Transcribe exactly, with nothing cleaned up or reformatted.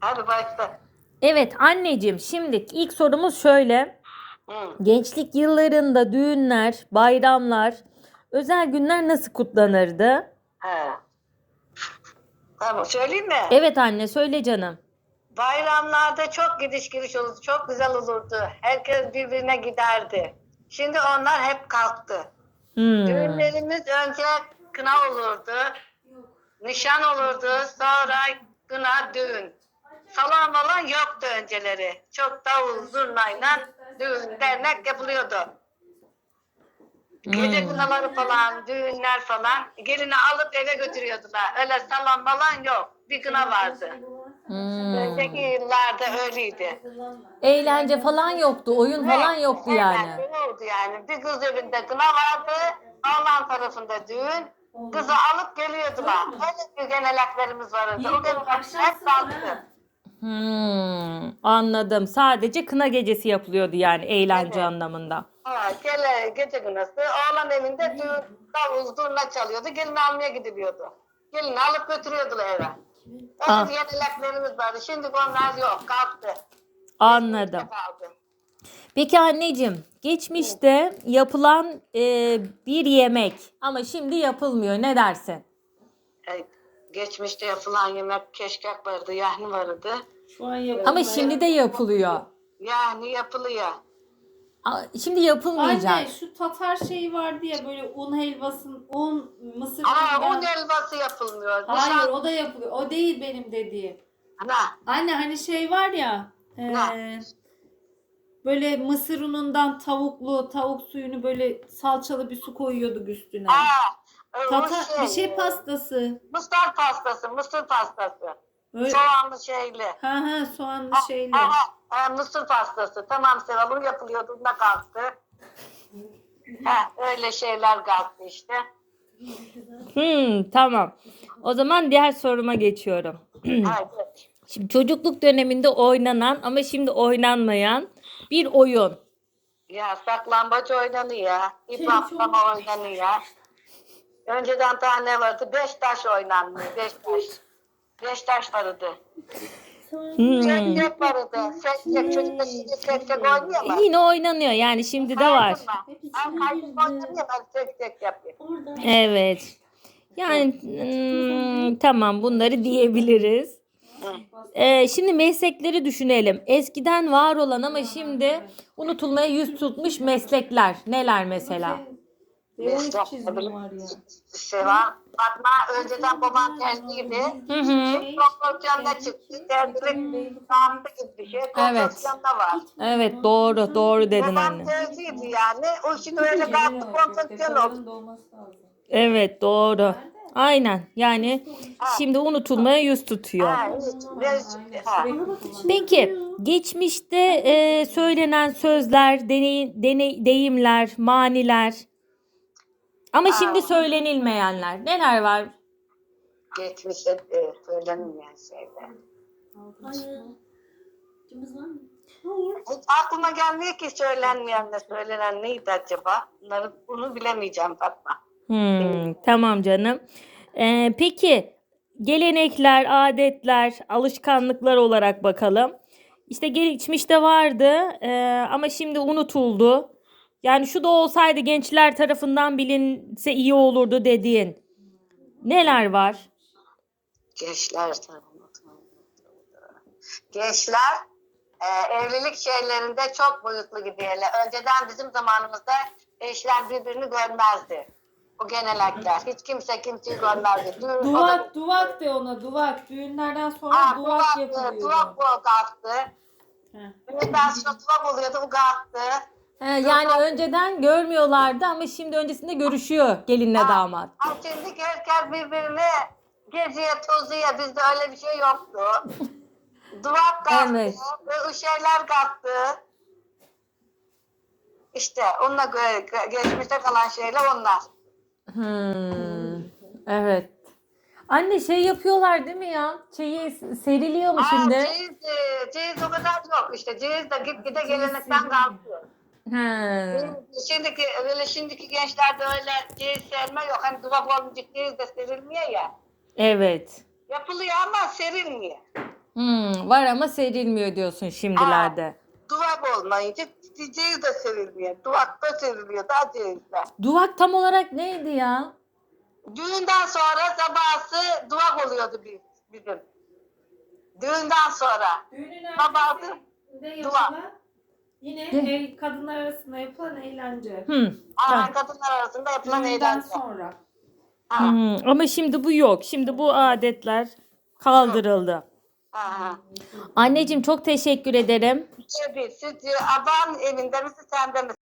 Hadi başla. Evet anneciğim, şimdi ilk sorumuz şöyle. Hı. Gençlik yıllarında düğünler, bayramlar, özel günler nasıl kutlanırdı? He. Tamam söyleyeyim mi? Evet anne, söyle canım. Bayramlarda çok gidiş geliş olurdu. Çok güzel olurdu. Herkes birbirine giderdi. Şimdi onlar hep kalktı. Hmm. Düğünlerimiz önce kına olurdu. Nişan olurdu. Sonra kına düğün. Salon falan yoktu önceleri. Çok davul zurnayla düğün dernek yapılıyordu. Gece Hmm. kınaları falan, düğünler falan. Gelini alıp eve götürüyordular. Öyle salon falan yok. Bir kına vardı. Hmm. Önceki yıllarda öyleydi. Eğlence falan yoktu, oyun falan Evet, yoktu yani. eğlenceli oldu yani. Bir kız evinde kına vardı, oğlan tarafında düğün. Kızı alıp geliyordular. Öyle bir geleneklerimiz vardı. O gelenekler hep kalktı. Hmm, anladım. Sadece kına gecesi yapılıyordu yani, eğlence Evet. anlamında. Ha, gele, gece kınası. Oğlan evinde düğün, davul, zurna çalıyordu. Gelin almaya gidiliyordu. Gelini alıp götürüyordular eve. Öyle Ah, bir geleneklerimiz vardı. Şimdi onlar yok, kalktı. Geçmişte anladım. kaldı. Peki anneciğim, Hı. geçmişte yapılan e, bir yemek ama şimdi yapılmıyor. Ne dersin? E, Geçmişte yapılan yemek keşkek vardı, yahni vardı. Şu an Ama yapılmıyor. şimdi de yapılıyor. Yani yapılıyor. A- Şimdi yapılmayacak. Anne şu Tatar şeyi vardı ya, böyle un helvasın, un mısır Ama un unundan. helvası yapılmıyor. Hayır, Nişan... o da yapılıyor. O değil benim dediğim. Ana, Anne hani şey var ya, ne? eee, böyle mısır unundan tavuklu, tavuk suyunu böyle salçalı bir su koyuyorduk üstüne. Aa, e, o Tata bir şey, şey e, pastası. mısır pastası, mısır pastası. Öyle, Soğanlı şeyli. ha ha soğanlı Ha, ha, şeyli. ha, e, mısır pastası. Tamam Seval, bu yapılıyordu, da kalktı. Ha, öyle şeyler kalktı işte. Hmm, tamam. O zaman diğer soruma geçiyorum. Haydi. Şimdi çocukluk döneminde oynanan ama şimdi oynanmayan bir oyun. Ya saklambaç oynanıyor. İp Şey, atlama oynanıyor. Önceden daha ne vardı? Beş taş oynanmıyor. Beş taş. Beş taş vardı. Hmm. Seksek vardı. Seksek. Çocuklar şimdi seksek oynuyorlar. Yine oynanıyor yani, şimdi de var. Kaydırma. Ben kaydırma oynamıyorum. Ben seksek yapıyorum. Evet. Yani hmm, tamam, bunları diyebiliriz. Hı. Ee, şimdi meslekleri düşünelim. Eskiden var olan ama şimdi unutulmaya yüz tutmuş meslekler. Neler mesela? B on iki Meslek çizgim var ya. bir şey var. Fatma önceden babam terziydi. Hı hı. Konsorsiyonda çıktı. Terzilik saati gibi bir şey. Evet. Konsorsiyonda var. Evet, doğru. Doğru dedin Babam anne. terziydi yani. O şimdi öyle kalktı, konsorsiyona oldu. Evet, doğru. Aynen. Yani şimdi unutulmaya yüz tutuyor. Ha, hiç. Biz, ha. Peki, geçmişte e, söylenen sözler, deney, deney, deyimler, maniler ama Ha, şimdi söylenilmeyenler neler var? geçmişte e, söylenmeyen şeyler. Hiç aklıma gelmiyor ki söylenmeyen de söylenen neydi acaba? Bunları, bunu bilemeyeceğim Fatma. Hmm, tamam canım. Ee, peki, gelenekler, adetler, alışkanlıklar olarak bakalım. İşte geçmişte vardı e, ama şimdi unutuldu. Yani şu da olsaydı gençler tarafından bilinse iyi olurdu dediğin neler var? Gençler Gençler e, evlilik şeylerinde çok boyutlu gidiyorlar. Önceden bizim zamanımızda eşler birbirini görmezdi. O genellikler. Hiç kimse kimseyi görmezdi. Düğün, o da... Duvak, duvak de ona, duvak. Düğünlerden sonra Ha, duvak duvak, yapılıyordu. duvak bu kalktı. Heh. Düğünden sonra duvak oluyordu, bu kalktı. He, yani önceden görmüyorlardı ama şimdi öncesinde görüşüyor gelinle Ha, damat. ha, şimdi herkes birbirine geziyor, tozuyor. Bizde öyle bir şey yoktu. Duvak kalktı Evet. ve o şeyler kalktı. İşte onunla gö- gö- geçmişte kalan şeyler onlar. Hmm, evet. Anne, şey yapıyorlar değil mi ya? Çeyiz seriliyor mu Aa, şimdi? ceyiz, e, ceyiz o kadar yok. İşte ceyiz de gitgide gelenekten kalkıyor. He. Şimdiki, öyle şimdiki gençlerde öyle ceyiz serme yok. Hani duvak olmayacak ceyiz de serilmiyor ya. Evet. Yapılıyor ama serilmiyor. Hmm, var ama serilmiyor diyorsun şimdilerde. Duvak olmayınca ceyiz de sevilmiyor. Duvak da seviliyor daha ceyizle. Duvak tam olarak neydi ya? Düğünden sonra sabahsı duvak oluyordu biz, bizim. Düğünden sonra. Düğünün Sabahsı ertesinde dua. yapılan yine Ne? el, kadınlar arasında yapılan eğlence. Hmm, Aa, tamam. kadınlar arasında yapılan Düğünden eğlence. sonra. Ha, Hmm, ama şimdi bu yok. Şimdi bu adetler kaldırıldı. ha, ha. Anneciğim çok teşekkür ederim. Tabii, siz aban evinde misin, sende misin?